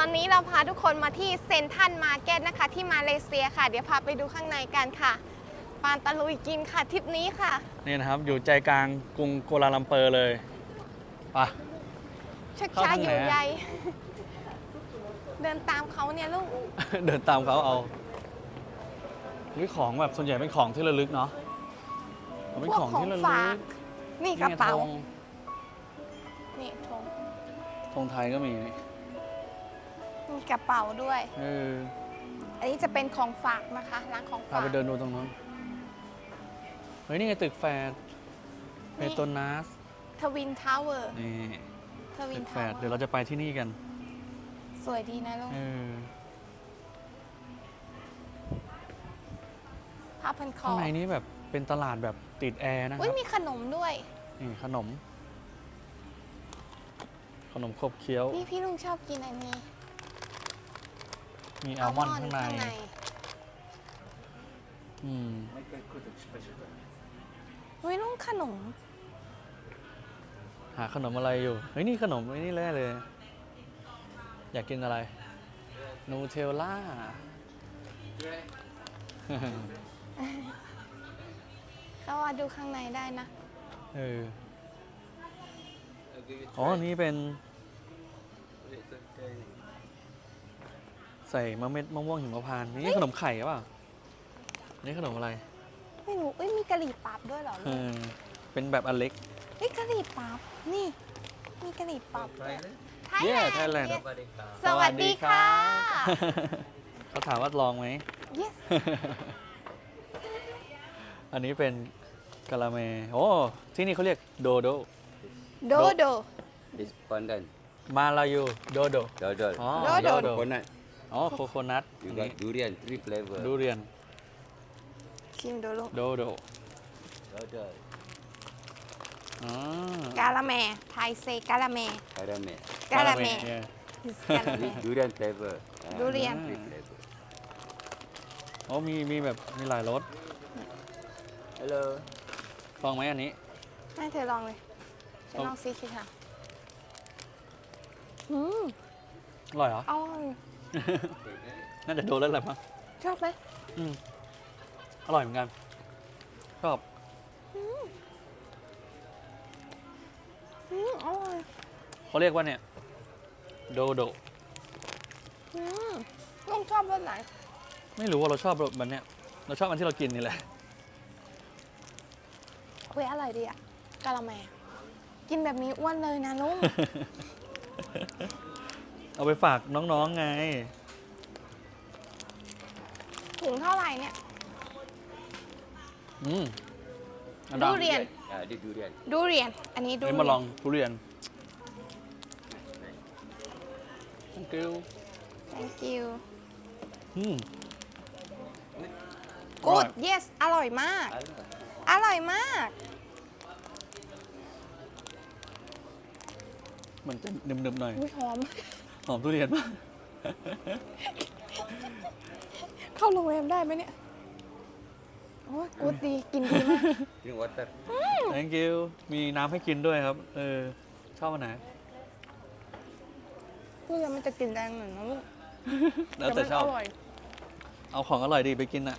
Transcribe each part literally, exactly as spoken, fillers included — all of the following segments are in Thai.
อนนี้เราพาทุกคนมาที่เซ็นทรัลมาร์เก็ตนะคะที่มาเลเซียค่ะเดี๋ยวพาไปดูข้างในกันค่ะปานตะลุยกินค่ะทริปนี้ค่ะนี่นะครับอยู่ใจกลางกรุงกัวลาลัมเปอร์เลยไปชักช้าอยู่ใหญ่ เดินตามเขาเนี่ยลูกเดินตามเขาเอาวิของแบบส่วนใหญ่เป็นของที่ระลึกเนาะเป็นของที่ระลึกนี่กระเป๋าธงนี่ธงธงไทยก็มีมีกระเป๋าด้วยเอออันนี้จะเป็นของฝากนะคะร้านของพาฝากไปเดินดูตรงนู้นเฮ้ยนี่ไงตึกแฟร์เปโตรนัสทวินทาวเวอร์นี่ทวิตึนกแฟทาวเวร์อเดี๋ยวร์เราจะไปที่นี่กันสวยดีนะลูกเออผ้าพันคอข้างในนี้แบบเป็นตลาดแบบติดแอร์นะคอุ้ยรับมีขนมด้วยนี่ขนม ขนมขบเคี้ยวนี่พี่ลุงชอบกินอันนี้มีอัลมอนด์ข้างในข้างในอืมเฮ้ยลุงขนมหาขนมอะไรอยู่ เฮ้ยนี่ขนมไอ้นี่แร่เลย อยากกินอะไร นูเทลล่าก็ว่าดูข้างในได้นะเออ อ๋อ นี่เป็น ใส่มะเม็ดมะม่วงหิมพานต์นี่ขนมไข่หรือเปล่านี่ขนมอะไรไม่รู้เอ้ยมีกะหรี่ปั๊บด้วยเหรอเอลูกอ เป็นแบบอันเล็กเฮ้ยกะหรี่ปั๊บนี่ มีกะหรี่ปั๊บด้วยไทยเย้แลนด์ไทยแลนด์ yes สวัสดีค่ะเขาถามว่าลองไหม yes อันนี้เป็นกะละแมโอ้ ที่นี่เขาเรียกโดโดโดโด This pandan, มาลายูโดโด dodol, อ๋อโดโด coconut. อ๋อ โคโคนัท You got durian, three flavor. ดูเรียนชิมดูลูกโดโด Dodol, อ๋อกาละแมไทยเซกาละแม caramel. กาละแมเนี่ย is กาละแม This durian flavor. Ah, Durian. Three flavor. อ๋อมีมีแบบมีหลายรส Hello. ลองไหมอันนี้ให้เธอลองเลยฉันลองซีคิดค่ะอืมอร่อยเหรออร่อยน่าจะโดนแล้วแหละมั้งชอบไหมอืมอร่อยเหมือนกัน ชอบอืมอร่อยเขาเรียกว่าเนี่ย โดโดอืมลุงชอบรสไหนไม่รู้ว่าเราชอบแบบเนี้ยเราชอบอันที่เรากินนี่แหละเฮ้ยอร่อยดีอ่ะกาละแมกินแบบนี้อ้วนเลยนะลุงเอาไปฝากน้องๆไงถุงเท่าไหร่เนี่ยอืมอันดูดังเรียน Ah, this durian. ดูเรียน อันนี้ดูนี่เรีมาลยอน งทุเรียน thank you thank you อืม good yes อร่อยมาก Hello. อร่อยมากมันจะหนึบๆหน่อยอุ้ยหอมหอมทุเรียนมากเข้าโรงแรมได้ไหมเนี่ย โอ้ยกูดดี กินดีมาก Drink water. thank you มีน้ำให้กินด้วยครับ เออ ชอบอันไหนพูดแล้วมันจะกินแรงหน่อยนะลูกแล้วแต่มันชอบอร่อยเอาของอร่อยดีไปกินอ่ะ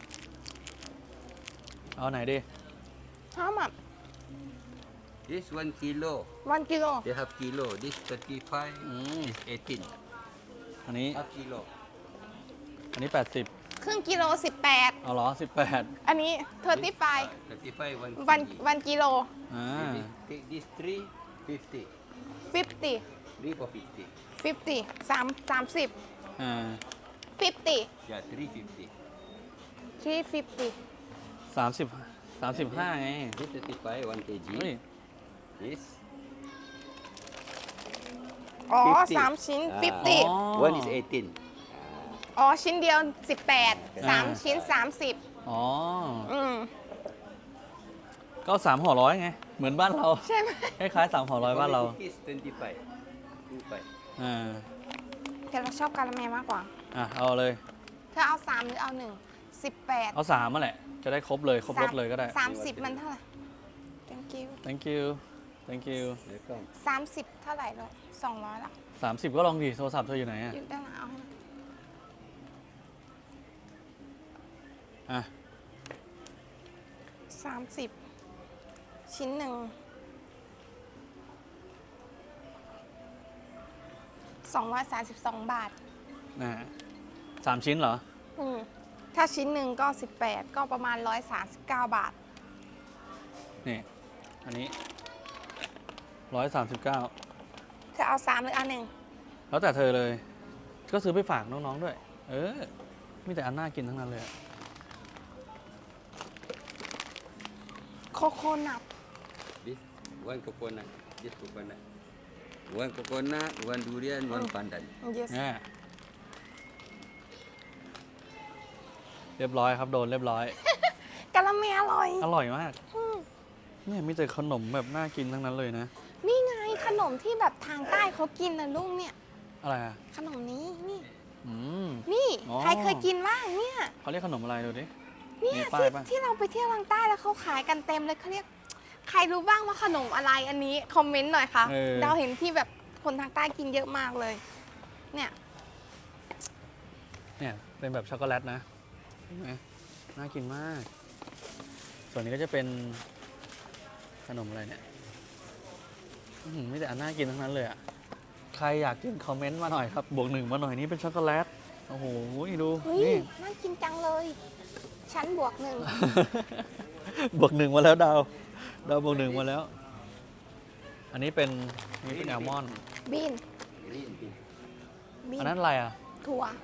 เอาไหนดีห้ามับ This one kilo. วันกิโล They have kilo. This thirty-five. อืม This eighteen. อันนี้ Half kilo. อันนี้แปดสิบครึ่งกิโลสิบแปดเอาเหรอสิบแปดอันนี้เทอร์ตี้ไฟ Thirty-five one. วัน kg. วันกิโลอ่า Take this three, fifty. ฟิฟตี้ Three for fifty. ฟิฟตี้สามสามสิบอ่าฟิฟตี้ Yeah, three fifty. ทรีฟิฟตี้สามสิบสามสิบห้าไง This thirty-five one เฮ้ย kg. This อ๋อ fifty. สามชิ้น Ah. ฟิฟตี้อ๋อ one is eighteen. อ๋อ ชิ้นเดียวสิบแปดสามอ่าชิ้นสามสิบอ๋ออืมก็สามห่อร้อยไง เหมือนบ้านเราใช่ไหมคล้ายๆสามห่อร้อยบ้านเรา Is twenty-five. Two-five. อ่าแต่เราชอบกาละแมมากกว่าอ่ะ เอาเลยเธอเอาสามหรือเอาหนึ่งสิบแปดเอาสามมาแหละ จะได้ครบเลย ครบรถเลยก็ได้สามสิบมันเท่าไหร่ thank you thank you thank you Welcome. สามสิบเท่าไหร่แล้วสองร้อยละสามสิบก็ลองดิโทรศัพท์เธออยู่ไหนอะอยู่ด้านหลังเอาให้อ่ะสามสิบชิ้นหนึ่งสองร้อยสามสิบสองบาทนะสามชิ้นเหรออืมถ้าชิ้นหนึ่งก็สิบแปดก็ประมาณร้อยสามสิบเก้าบาทนี่ อันนี้ร้อยสามสิบเก้าเธอเอาสามหรืออันหนึ่งแล้วแต่เธอเลย ก็ซื้อไปฝากน้องๆด้วย เออมีแต่อันน่ากินทั้งนั้นเลยอะโคโคนัท This one coconut. This coconut. One coconut, one durian, one pandan. yes เนี่ยเรียบร้อยครับโดนเรียบร้อยกะละเมอร่อยอร่อยมากอืมเนี่ยมีแต่ขนมแบบน่ากินทั้งนั้นเลยนะนี่ไงขนมที่แบบทางใต้เขากินนะลุงเนี่ยอะไรอ่ะขนมนี้นี่อืมนี่อ๋อใครเคยกินบ้างเนี่ยเขาเรียกขนมอะไรดูดิเนี่ยมีป้ายที่ปะที่เราไปเที่ยวทางใต้แล้วเขาขายกันเต็มเลยเขาเรียก ใครรู้บ้างว่าขนมอะไรอันนี้คอมเมนต์หน่อยค่ะเออเราเห็นที่แบบคนทางใต้กินเยอะมากเลย เนี่ยเนี่ยเป็นแบบช็อกโกแลตนะเห็นไหมน่ากินมาก ส่วนนี้ก็จะเป็นขนมอะไรเนี่ยอื้อหือมีแต่อันน่ากินทั้งนั้นเลยอ่ะ ใครอยากกินคอมเมนต์มาหน่อยครับ บวกหนึ่งมาหน่อยนี่เป็นช็อกโกแลต โอ้โหดูเฮ้ยนี่น่ากินจังเลย ชั้นบวกหนึ่งบวกหนึ่งมาแล้วดาว ดาวบวกหนึ่งมาแล้ว อันนี้เป็นนี่เป็นแอลมอนด์บีน Green bean. บีอันนนั้นอะไรอ่ะถั่ว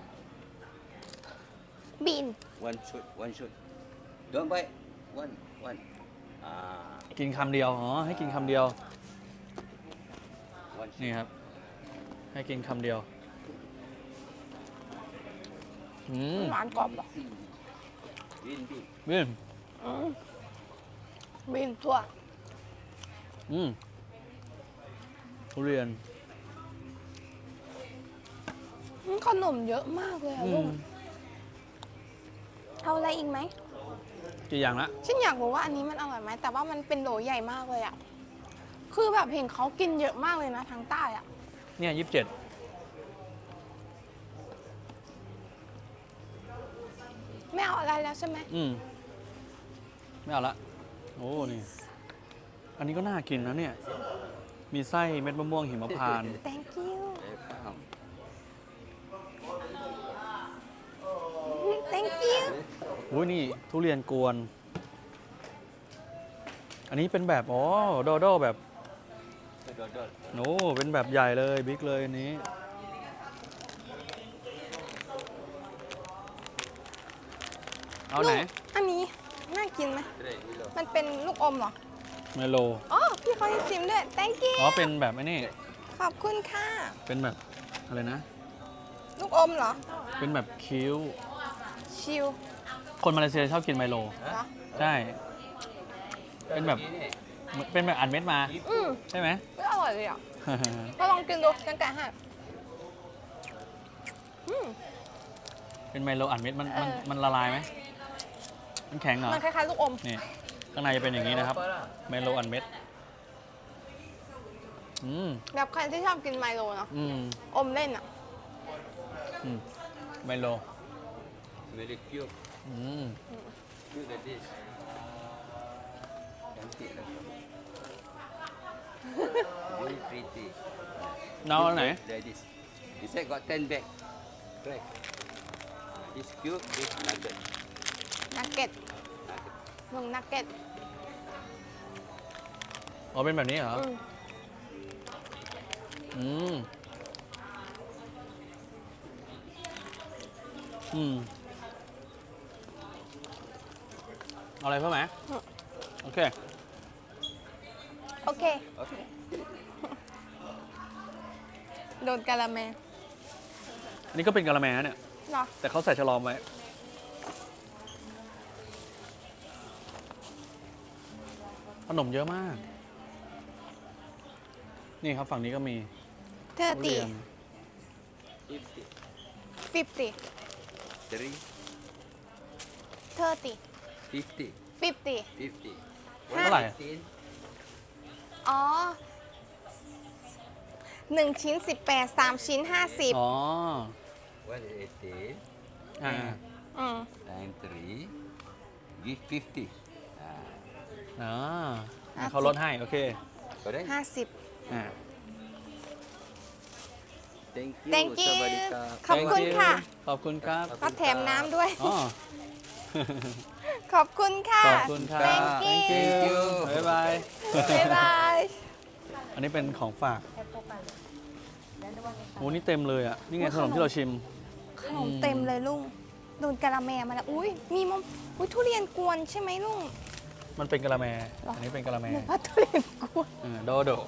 บีน One shot, one shot. Don't bite. One, one. Ah, กินคำเดียว อ๋อ ให้กินคำเดียว one นี่ shot. ครับ ให้กินคำเดียว อืมหวานกรอบเหรอ Green bean. บีนอืมบีนถั่วอืมทุเรียนอืมขนมเยอะมากเลยอะอืลุมงเอาอะไรอีกไหมกี่อย่างละฉันอยากรู้ว่าอันนี้มันอร่อยไหมแต่ว่ามันเป็นโหลใหญ่มากเลยอะคือแบบเห็นเขากินเยอะมากเลยนะทางใต้อะเนี่ยยี่สิบเจ็ดไม่เอาอะไรแล้วใช่ไหมอืม ไม่เอาละ โอ้ นี่ อันนี้ก็น่ากินนะเนี่ย มีไส้เม็ดมะม่วงหิมพานต์ thank you Welcome. thank you โอ้ยนี่ทุเรียนกวน อันนี้เป็นแบบ อ๋อ โดโดแบบ Dot, dot. โอ้เป็นแบบใหญ่เลย บิ๊กเลยอันนี้ เอาไหนลูกอันนี้น่ากินไหม Try below. มันเป็นลูกอมเหรอไมโลอ๋อพี่เขาให้ชิมด้วย thank you อ๋อ เป็นแบบไอ้นี่ขอบคุณค่ะเป็นแบบอะไรนะลูกอมเหรอเป็นแบบคิ้วชิลคนมาเลเซียชอบกินไมโลเหรอใช่ เป็นแบบ เป็นแบบอัดเม็ดมาอืมใช่ไหมไม่อร่อยเลยอ่ะก็ลองกินดูฉันแกะให้อืมเป็นไมโลอัดเม็ด มัน มันเออมันละลายไหม มันแข็งเหรอมันคล้ายๆลูกอมนี่ ข้างในจะเป็นอย่างนี้นะครับ ไมโลอัดเม็ด อืมแบบใครที่ชอบกินไมโลเนาะอืมอมเล่นอ่ะอืม ไมโล Very cute. อืม Cute like this. Cantik lah. Very pretty. น้องอันไหน Like this. Inside got ten bag. Right. This cute, this nugget. นักเก็ต Nugget. ลุงนักเก็ตอ๋อ เป็นแบบนี้เหรออืมอืม อืม เอาอะไรเพิ่มไหม โอเคโอเค Okay. โดนกะละแมอันนี้ก็เป็นกะละแมนะเนี่ยเหรอแต่เขาใส่ฉลอมไว้ ขนมเยอะมาก นี่ครับฝั่งนี้ก็มีเธอทุตีเรียน Fifty. ฟิฟตี Three. เธอตี Fifty. ฟิฟตี Fifty. เท่าไหร่ Fifteen. อ๋อหนึ่งชิ้นสิบแปด สามชิ้นห้าสิบอ๋อ One eighty. อ่าอืม Nine three. Give fifty. Ah, อ๋อห้าสิบเขาลดให้ โอเค correct? ห้าสิบอ่า Thank you. thank you Sawadika. ขอบคุณค่ะขอบคุณครับก็แถมน้ำด้วยอ๋อขอบคุณค่ะขอบคุณครับ thank you thank you บ๊ายบายบ๊ายบายอันนี้เป็นของฝากโอ้นี่เต็มเลยอ่ะ นี่ไงขนมที่เราชิมขนมเต็มเลยลุงโดนกะละแมมาแล้ว อุ้ยมีมะอุ้ยทุเรียนกวนใช่ไหมลุงมันเป็นกะละแมหรออัอันนี้เป็นกะละแมหนูว่าทุเรียนกวนเออโดโด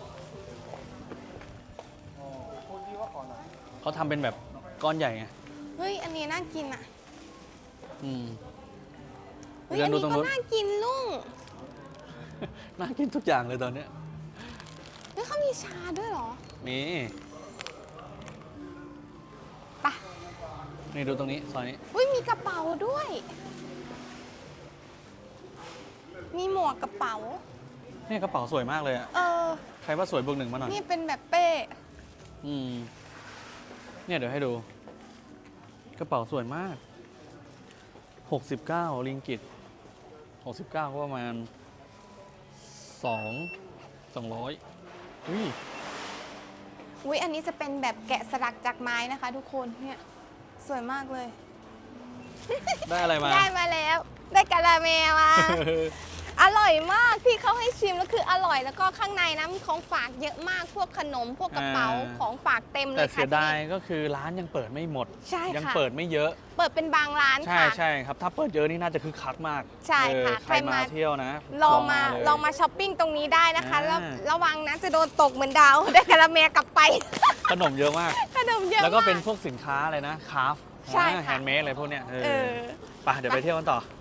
เขาทำเป็นแบบก้อนใหญ่ไงเฮ้ย อันนี้น่ากินอ่ะอืมเฮ้ยเดิอันนดูนี้ตรงก็นู้นน่ากินลุงน่ากินทุกอย่างเลยตอนเนี้ยเฮ้ยเขามีชาด้วยเหรอมีไปะนี่ดูตรงนี้ซอยนี้อุ้ยมีกระเป๋าด้วย มีหมวกกระเป๋าเนี่ยกระเป๋าสวยมากเลยอ่ะเออใครว่าสวยบวกหนึ่งมาหน่อยนี่เป็นแบบเป้อืม เนี่ยเดี๋ยวให้ดู กระเป๋าสวยมาก หกสิบเก้าริงกิตหกสิบเก้าก็ประมาณสอง สองร้อยอุ้ยอุ้ยอันนี้จะเป็นแบบแกะสลักจากไม้นะคะ ทุกคน เนี่ย สวยมากเลยได้อะไรมาได้มาแล้ว ได้กะละแมมา อร่อยมากที่เขาให้ชิมแล้วคืออร่อยแล้วก็ข้างในนะมีของฝากเยอะมากพวกขนมพวกกระเป๋าอ่าของฝากเต็มเลแต่ยเสีค่ะยดายที่นี่ก็คือร้านยังเปิดไม่หมดใช่ยังค่ะเปิดไม่เยอะเปิดเป็นบางร้านใช่ค่ะใช่ครับ ถ้าเปิดเยอะนี่น่าจะคึกคักมากใช่ค่ะเออใครใครมามาเที่ยวนะลองมาเลยลองมาช้อปปิ้งตรงนี้ได้นะคะอ่าแล้วระวังนะจะโดนตกเหมือนดาว ได้กะละแมกลับไปขนมเยอะมากขนมเยอะแล้วก็เป็นมาพวกสินค้าอะไรนะคราฟใช่ค่ะแฮนด์เมดอะไรพวกเนี้ยเอเอออไปเดี๋ยวไปเที่ยวกันต่อ